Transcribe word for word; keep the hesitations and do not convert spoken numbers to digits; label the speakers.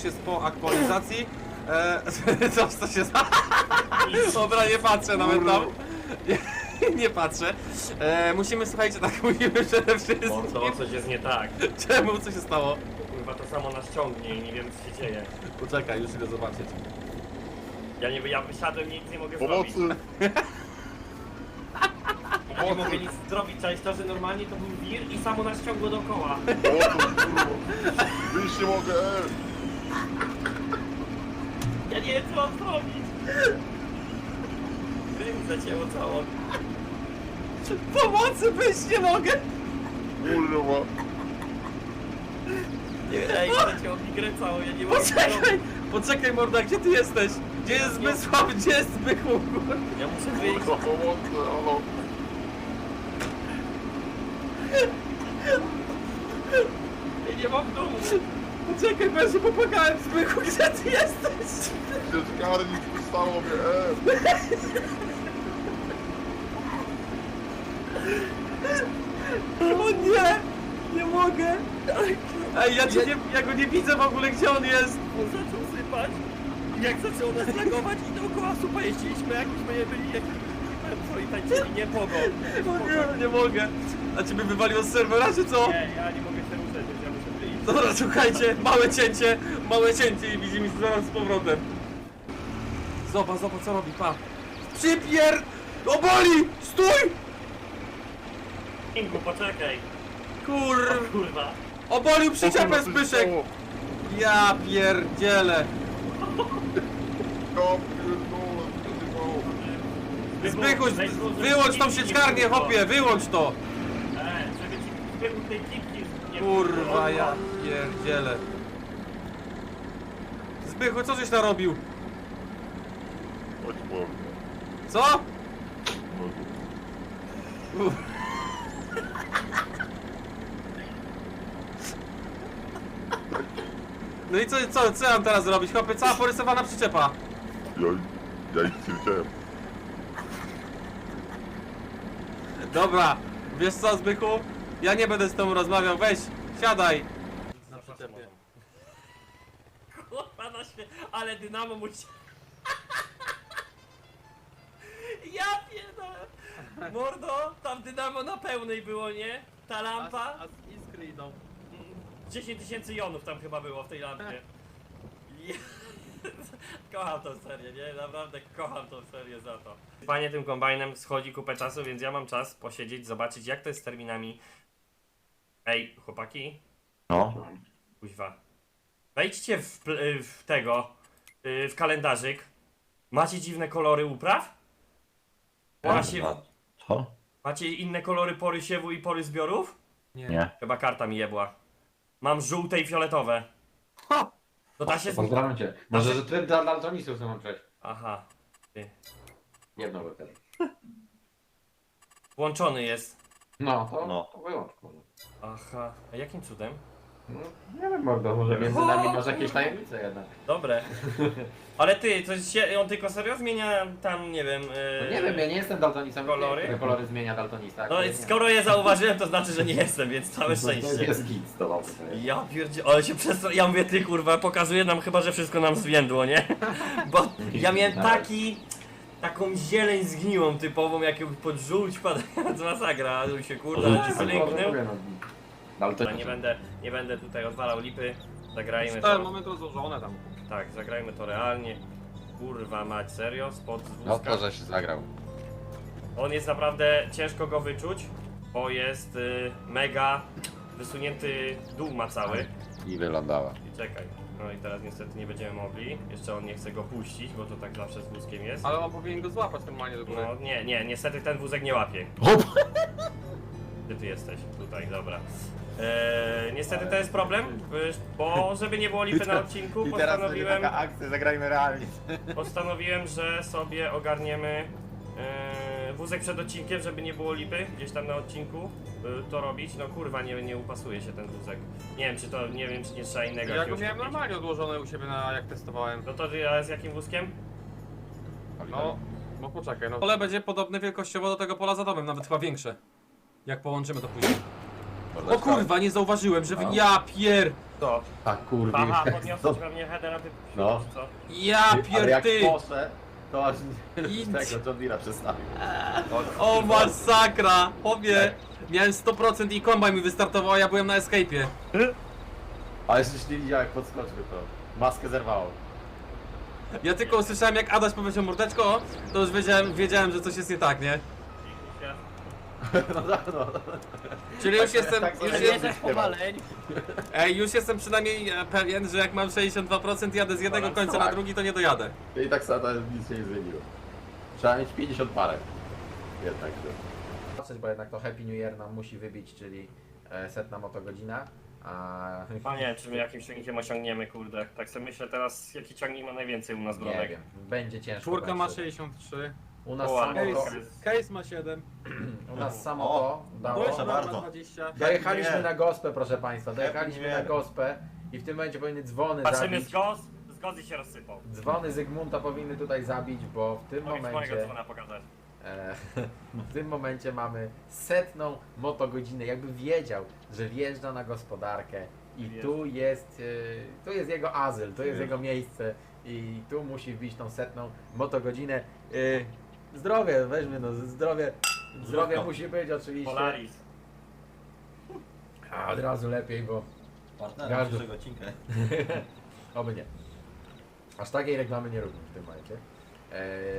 Speaker 1: już jest po aktualizacji. Eee, co, co się stało? Dobra, nie patrzę nawet tam. Nie, nie patrzę. Eee, musimy, słuchajcie, tak mówimy przede wszystkim.
Speaker 2: Mordo, coś jest nie tak.
Speaker 1: Czemu? Co się stało?
Speaker 2: Kurwa, to samo nas ciągnie i nie wiem co się dzieje.
Speaker 1: Poczekaj, już idę zobaczyć.
Speaker 2: Ja nie ja wysiadłem, nic nie mogę
Speaker 3: Pomocy!
Speaker 2: zrobić. Ja nie mogę nic zrobić, cześć to, że normalnie to był wir i samo nas ciągło dookoła.
Speaker 3: Pomocy, kurwa! Wyjść nie mogę, e!
Speaker 2: Ja nie wiem co mam zrobić. Rym zacięło całą.
Speaker 1: Pomocy, wyjść nie mogę!
Speaker 3: Kurwa!
Speaker 2: Nie, ej, zacięło mi grę całą, ja nie mogę nic
Speaker 1: Poczekaj!
Speaker 2: zrobić.
Speaker 1: Poczekaj, morda, gdzie ty jesteś? Gdzie jest Zmysław? Gdzie jest Zbychu?
Speaker 2: Ja muszę wyjść.
Speaker 3: Kurwa, pomocy, halo!
Speaker 2: Ja nie mam domu.
Speaker 1: Poczekaj, bo ja się popłakałem. Zbychu, gdzie ty jesteś?
Speaker 3: Gdzie zgarnić wystało mnie, e!
Speaker 1: O nie! Nie mogę! Ej, ja, cię nie, ja go nie widzę w ogóle, gdzie on jest!
Speaker 2: On zaczął sypać. Jak zaczęło nas lagować i dookoła supa jeździliśmy, jakbyśmy nie byli jakimś co i tańczyli, nie pogo.
Speaker 1: O nie, nie mogę! A ciebie wywaliło z serwera, czy co?
Speaker 2: Nie, ja nie mogę się ruszać, więc ja muszę wyjść.
Speaker 1: Dobra, słuchajcie, małe cięcie, małe cięcie i widzimy się zaraz z powrotem. Zobacz, zobacz co robi, pa. Przypier... Oboli! Stój!
Speaker 2: Ingu, poczekaj.
Speaker 1: Kur...
Speaker 2: O kurwa.
Speaker 1: Obolił
Speaker 3: O kurwa,
Speaker 1: przyczepę
Speaker 3: coś
Speaker 1: Zbyszek!
Speaker 3: stało.
Speaker 1: Ja pierdzielę!
Speaker 3: Ja pierdolę, co się stało?
Speaker 1: Zbychu,
Speaker 2: Weź tu, żeby
Speaker 1: wyłącz tą
Speaker 2: kipki nie
Speaker 1: sieczkarnię,
Speaker 2: było.
Speaker 1: hopie, wyłącz to!
Speaker 2: E, żeby ci Zbychu tej kipki nie
Speaker 1: Kurwa, ja pierdzielę. Zbychu, co żeś narobił?
Speaker 3: Chodź po mnie.
Speaker 1: Co? Uff. No i co, co, co ja mam teraz zrobić? Chłopie, cała porysowana przyczepa.
Speaker 3: Ja, ja nic nie widziałem.
Speaker 1: Dobra, wiesz co, Zbychu? Ja nie będę z tobą rozmawiał, weź, siadaj. Na przyczepie.
Speaker 2: Kurwa na śmie... Ale dynamo musi... Ja pierdolę! Mordo, tam dynamo na pełnej było, nie? Ta lampa...
Speaker 1: A iskry idą.
Speaker 2: dziesięć tysięcy jonów tam chyba było w tej lampie. Je- Kocham tą serię, nie? Naprawdę kocham tą serię za to. Panie tym kombajnem schodzi kupę czasu, więc ja mam czas posiedzieć, zobaczyć jak to jest z terminami. Ej, chłopaki,
Speaker 4: No.
Speaker 2: kuźwa. Wejdźcie w, pl- w tego, yy, w kalendarzyk. Macie dziwne kolory upraw? Macie,
Speaker 4: Co?
Speaker 2: macie inne kolory pory siewu i pory zbiorów?
Speaker 4: Nie.
Speaker 2: Chyba karta mi jebła. Mam żółte i fioletowe. To da się... z-
Speaker 5: Pozdrawiam cię. Może, że ty dla daltonistów chcę przejść.
Speaker 2: Aha. Ty.
Speaker 5: Jedno wtedy.
Speaker 2: Włączony jest.
Speaker 5: No, to,
Speaker 4: No.
Speaker 5: to wyłącz, kurde.
Speaker 2: Aha. A jakim cudem?
Speaker 5: No, nie wiem, Mordo, może między nami masz jakieś tajemnice jednak.
Speaker 2: Dobre. Ale ty, coś się, on tylko serio zmienia tam, nie wiem...
Speaker 5: No
Speaker 2: Yy...
Speaker 5: nie wiem, ja nie jestem daltonistą.
Speaker 2: Kolory?
Speaker 5: Które kolory zmienia daltonista.
Speaker 2: No
Speaker 5: które
Speaker 2: i
Speaker 5: nie.
Speaker 2: skoro je zauważyłem, to znaczy, że nie jestem, więc całe
Speaker 5: No to
Speaker 2: szczęście.
Speaker 5: jest git z tobą.
Speaker 2: Ja pierdzie... Ale się przez Ja mówię, ty kurwa, pokazuje nam chyba, że wszystko nam zwiędło, nie? Bo ja miałem taki... Taką zieleń zgniłą typową, jak ją pod żółć padając masakra, a tu się kurde, ale ci zlęknął.
Speaker 5: Dalton...
Speaker 2: Nie będę, nie będę tutaj odwalał lipy. Zagrajmy
Speaker 1: Tak,
Speaker 2: to.
Speaker 1: mamy to złożone tam.
Speaker 2: Tak, zagrajmy to realnie. Kurwa mać, serio? Spod z
Speaker 4: No
Speaker 2: wózka.
Speaker 4: to, że się zagrał.
Speaker 2: On jest naprawdę ciężko go wyczuć, bo jest y, mega wysunięty dół ma cały.
Speaker 4: I wylądała.
Speaker 2: I czekaj. No i teraz niestety nie będziemy mogli. Jeszcze on nie chce go puścić, bo to tak zawsze z wózkiem jest.
Speaker 1: Ale on powinien go złapać normalnie do góry.
Speaker 2: No nie, nie, niestety ten wózek nie łapie. Gdzie ty jesteś? Tutaj, dobra. Eee, niestety to jest problem, y, bo żeby nie było lipy na odcinku, postanowiłem,
Speaker 4: akcja, zagrajmy realnie.
Speaker 2: postanowiłem, że sobie ogarniemy e, wózek przed odcinkiem, żeby nie było lipy gdzieś tam na odcinku e, to robić. No kurwa, nie, nie upasuje się ten wózek. Nie wiem czy to, nie wiem czy nie trzeba innego
Speaker 1: Ja go
Speaker 2: jakiegoś
Speaker 1: miałem
Speaker 2: kupić.
Speaker 1: normalnie odłożone u siebie na jak testowałem.
Speaker 2: No to ja z jakim wózkiem?
Speaker 1: No, no poczekaj, no. Pole będzie podobne wielkościowo do tego pola za domem, nawet chyba większe. Jak połączymy to później. O kurwa, nie zauważyłem, że wy...
Speaker 4: No.
Speaker 1: Ja pier...
Speaker 2: To.
Speaker 4: Tak kurwa.
Speaker 2: Aha, podniosłeś pewnie headera, ty
Speaker 4: No.
Speaker 2: czy co?
Speaker 1: Ja
Speaker 4: Ale jak
Speaker 1: pierdy!
Speaker 4: poszedł, to aż
Speaker 1: Idź.
Speaker 4: tego John Deere'a przestawił.
Speaker 1: O masakra! Chłopie! Miałem sto procent i kombajn mi wystartował, a ja byłem na escape'ie.
Speaker 4: Ale jeszcze nie widział jak podskoczył to. Maskę zerwało.
Speaker 1: Ja tylko usłyszałem jak Adaś powiedział mordeczko, to już wiedziałem, wiedziałem, że coś jest nie tak, nie?
Speaker 4: No tak, no.
Speaker 1: Czyli już jestem,
Speaker 4: tak
Speaker 1: już
Speaker 4: sobie
Speaker 1: jest,
Speaker 4: jesteś powaleń.
Speaker 1: ej, już jestem przynajmniej e, pewien, że jak mam sześćdziesiąt dwa procent jadę z jednego
Speaker 2: Balans,
Speaker 1: końca na
Speaker 4: tak.
Speaker 1: drugi, to nie dojadę.
Speaker 4: I tak samo nic się nie zmieniło. Trzeba mieć pięćdziesiąt parę. Jednak, że...
Speaker 5: Patrzeć, bo jednak to Happy New Year nam musi wybić, czyli e, setna motogodzina. A...
Speaker 2: Panie, czy my jakimś ciągnikiem osiągniemy, kurde. Tak sobie myślę teraz, jaki ciągnik ma najwięcej u nas
Speaker 5: Nie
Speaker 2: bronek.
Speaker 5: wiem, będzie ciężko.
Speaker 1: Czwórka ma
Speaker 5: będzie.
Speaker 1: sześćdziesiąt trzy,
Speaker 5: U nas
Speaker 2: O,
Speaker 5: samo
Speaker 2: ale
Speaker 5: to,
Speaker 2: jest-
Speaker 1: case ma siedem,
Speaker 5: u nas samo
Speaker 4: O,
Speaker 5: to dało.
Speaker 4: proszę bardzo.
Speaker 1: ma dwadzieścia.
Speaker 5: Dojechaliśmy
Speaker 4: Nie.
Speaker 5: na gospę, proszę Państwa, dojechaliśmy
Speaker 4: nie.
Speaker 5: na gospę i w tym momencie powinny dzwony
Speaker 2: Patrzymy
Speaker 5: zabić.
Speaker 2: z goz, z gozy się rozsypał.
Speaker 5: Dzwony Zygmunta powinny tutaj zabić, bo w tym
Speaker 2: Mogę ci mojego
Speaker 5: momencie,
Speaker 2: dzwona pokazać.
Speaker 5: e, w tym momencie mamy setną motogodzinę. Jakby wiedział, że wjeżdża na gospodarkę i
Speaker 2: Wjeżdża.
Speaker 5: tu jest, e, tu jest jego azyl, tu jest jego miejsce i tu musi wbić tą setną motogodzinę. E, zdrowie, weźmy no, zdrowie, zdrowie
Speaker 4: Zdrówko.
Speaker 5: musi być oczywiście.
Speaker 2: Polaris.
Speaker 5: A od razu lepiej, bo
Speaker 6: Partnerem
Speaker 5: Gardło.
Speaker 6: dzisiejszego odcinka.
Speaker 5: oby nie. Aż takiej reklamy nie róbmy w tym momencie. E,